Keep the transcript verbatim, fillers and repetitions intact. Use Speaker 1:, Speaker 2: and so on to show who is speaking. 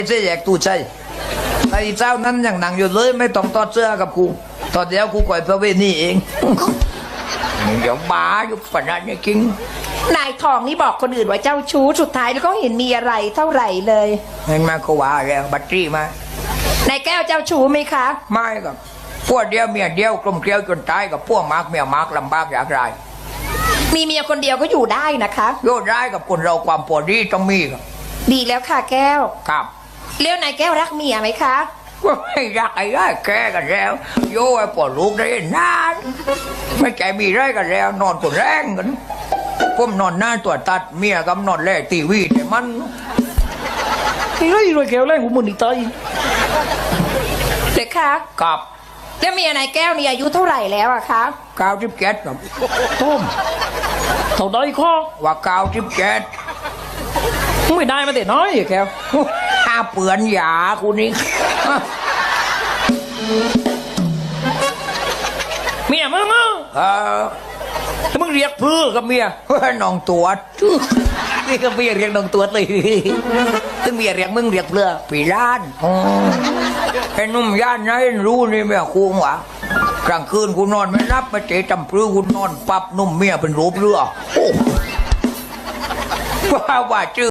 Speaker 1: เสียแยกตู้ใช่ไอ้เจ้านั้นยังหนังอยู่เลยไม่ต้องตอดเสื้อกับกูตอนเดียวกูก่อยพระเวนี่เองเดี๋ยวบ้าอยู่ฝันนั้นจริง
Speaker 2: นายทองนี่บอกคนอื่นว่าเจ้าชู้สุดท้ายแล้วก็เห็นมีอะไรเท่าไหร่เลย
Speaker 1: เห็นมาก็ว่าแล้วบัตรจี้มาน
Speaker 2: ายแก้วเจ้าชู้ไหมคะ
Speaker 1: ไม่กับพวกเดียวเมียเดียวกลมเกลียวจนตายกับพวกมากเมียมากลำบากอยากไร
Speaker 2: มีเมียคนเดียวก็อยู่ได้นะคะ
Speaker 1: โยดได้กับคนเราความปวดดีต้องมีครับ
Speaker 2: ดีแล้วค่ะแก้ว
Speaker 1: ครับ
Speaker 2: เลี้ยวนายแก้วรักเมียไหมคะ
Speaker 1: ก็ไม่รักไอ้ได้แก่กันแล้วโย่ไอ้ปวดลูกได้นานไม่ใจมีไรกันแล้วนอนกดแรงกันผมนอนหน้าตัวตัดเมียกับนอนแล่ตีวีแต่มัน
Speaker 3: ไอ้ไรรวยแก้วแรงกูมึงอีตาย
Speaker 2: เด็กคะ
Speaker 1: กับ
Speaker 2: แล้วเมียนายแก้วนี่อายุเท่าไหร่แล้วอะคะ
Speaker 1: เก้าสิบเจ็ดครับ
Speaker 3: ต้มเท่าใดข้อ
Speaker 1: ว่าเก้าสิบเจ็ด
Speaker 3: ไม่ได้มาแต่น้อยแก้ว
Speaker 1: ห้าเปือนหยาคุณนี่
Speaker 3: เมียมึงอ่ะ
Speaker 1: เออ
Speaker 3: ถ้ามึงเรียกเพื่อกับเมีย
Speaker 1: น้องตัว
Speaker 3: นี่ก็เมียเรียกน้องตัวเลยถึงเมียเรียกมึงเรียกเพื่อ
Speaker 1: ปีล้านไอ้นุ่มย่านไหนรู้นี่แม่คุ้งวะกลางคืนกูนอนไม่รับไม่เจ๊จำพลื้กูนอนปับนุ่มเมียเป็นรูปเรือว่าว่าชื่อ